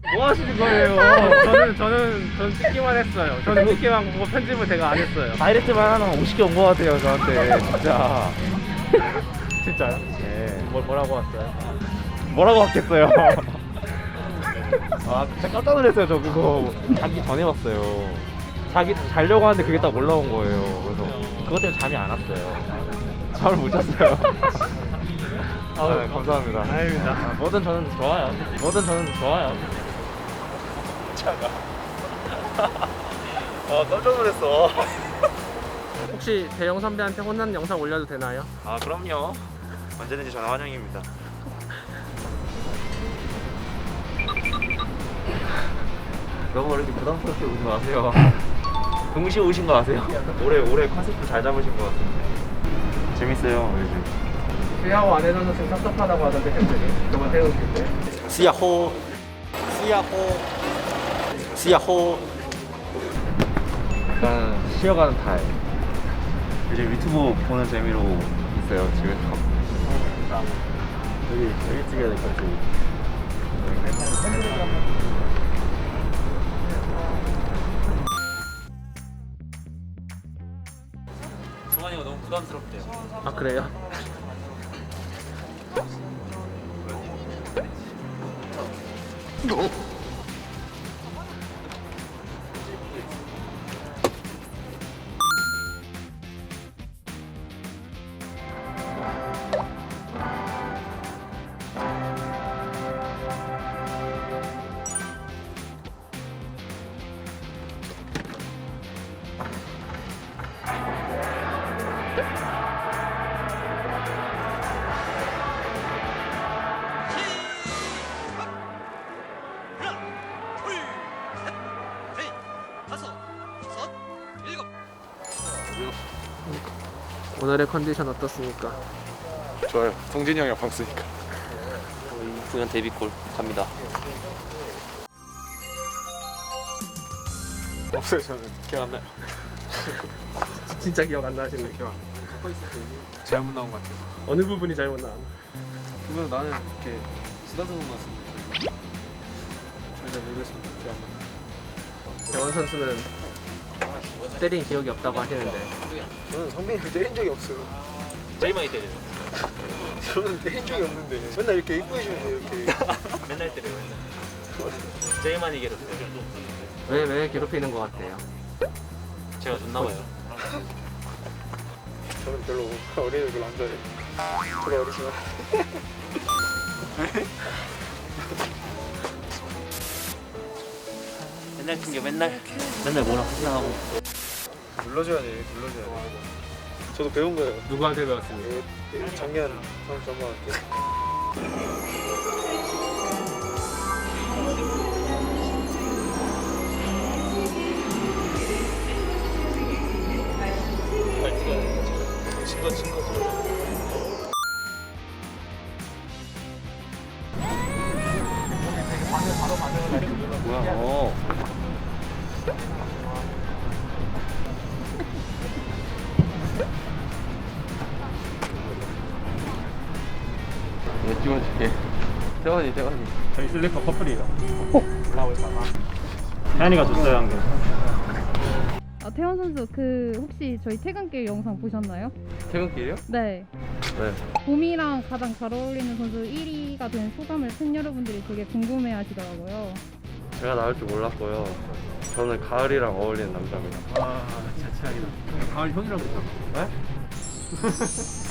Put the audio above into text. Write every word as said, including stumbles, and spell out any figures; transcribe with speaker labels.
Speaker 1: 뭐 하시는 거예요? 저는 저는 저는 찍기만 했어요. 저는 찍기만 보고 편집을 제가 안 했어요.
Speaker 2: 다이렉트만 하나 오십 개 온 것 같아요 저한테 진짜.
Speaker 1: 진짜요?
Speaker 2: 네.
Speaker 1: 뭘 뭐라고 왔어요?
Speaker 2: 뭐라고 왔겠어요. 아 진짜 깜짝 놀랐어요. 저 그거 자기 전에 봤어요. 자기 자려고 하는데 그게 딱 올라온 거예요. 그래서 그것 때문에 잠이 안 왔어요. 잠을 못 잤어요. 아, 네, 감사합니다.
Speaker 1: 아닙니다.
Speaker 2: 아, 뭐든 저는 좋아요. 뭐든 저는 좋아요. 차가. 아 깜짝 놀랐어.
Speaker 1: 혹시 대영 선배한테 혼난 영상 올려도 되나요?
Speaker 2: 아 그럼요. 언제든지 전화 환영입니다. 너무 이렇게 부담스럽게 오지 마세요. 동시에 오신 거 아세요? 올해 올해 컨셉도 잘 잡으신 것 같은데. 재밌어요 요즘.
Speaker 1: 쉐하고 안 해줘서 지금 섭섭하다고 하던데 팬들이 저번 태우실 때.
Speaker 2: 스야호 스야호 스야호. 약간 쉬어가는 타입. 요즘 유튜브 보는 재미로 있어요 집에서. 여기 여기 찍어야 될 것 같아. 종환이가 너무 부담스럽대요.
Speaker 1: 아 그래요? 오늘의 컨디션 어떻습니까?
Speaker 3: 좋아요. 성진이 형이랑 방쓰니까.
Speaker 2: 공연 데뷔골 갑니다.
Speaker 3: 없어요 저는. 기억 안 나요.
Speaker 1: 진짜 기억 안 나시는 기억.
Speaker 3: 잘못 나온 것 같아요.
Speaker 1: 어느 부분이 잘못 나왔나?
Speaker 3: 그러면 나는 이렇게 쓰다듬은 것 같은데. 잘 모르겠습니다. 기억 안 나요.
Speaker 1: 대원 선수는 때린 기억이 없다고 하시는데
Speaker 3: 저는 성빈이를 때린 적이 없어요.
Speaker 2: 제일 많이 때려요.
Speaker 3: 저는 때린 적이 없는데 맨날 이렇게 이쁘시는데 이렇게.
Speaker 2: 맨날 때려요. 맨날. 제일 많이 괴롭혀요.
Speaker 1: 왜 왜 괴롭히는 것 같아요?
Speaker 2: 제가 좋나 봐요.
Speaker 3: 저는 별로 어린애들 별로 안 좋아해요. 별로 어리지만.
Speaker 2: 맨날 튕겨 맨날 맨날 뭐라 하고.
Speaker 3: 눌러줘야 돼. 눌러줘야 돼. 저도 배운 거예요.
Speaker 1: 누구한테 배웠습니까?
Speaker 3: 예, 작년 선 전반한테. 친거 친거.
Speaker 2: 뭐야? 어. 이거 찍어줄게. 태원이 태원이.
Speaker 1: 저희 슬리퍼 커플이에요.
Speaker 2: 태연이가 줬어요 한 개.
Speaker 4: 아, 태원 선수 그 혹시 저희 퇴근길 영상 보셨나요?
Speaker 2: 퇴근길이요?
Speaker 4: 네.
Speaker 2: 네.
Speaker 4: 봄이랑 가장 잘 어울리는 선수 일 위가 된 소감을 팬 여러분들이 되게 궁금해 하시더라고요.
Speaker 2: 제가 나올 줄 몰랐고요. 저는 가을이랑 어울리는 남자입니다.
Speaker 1: 아 진짜 최악이다. 가을 형이라고 했잖아.
Speaker 2: 네?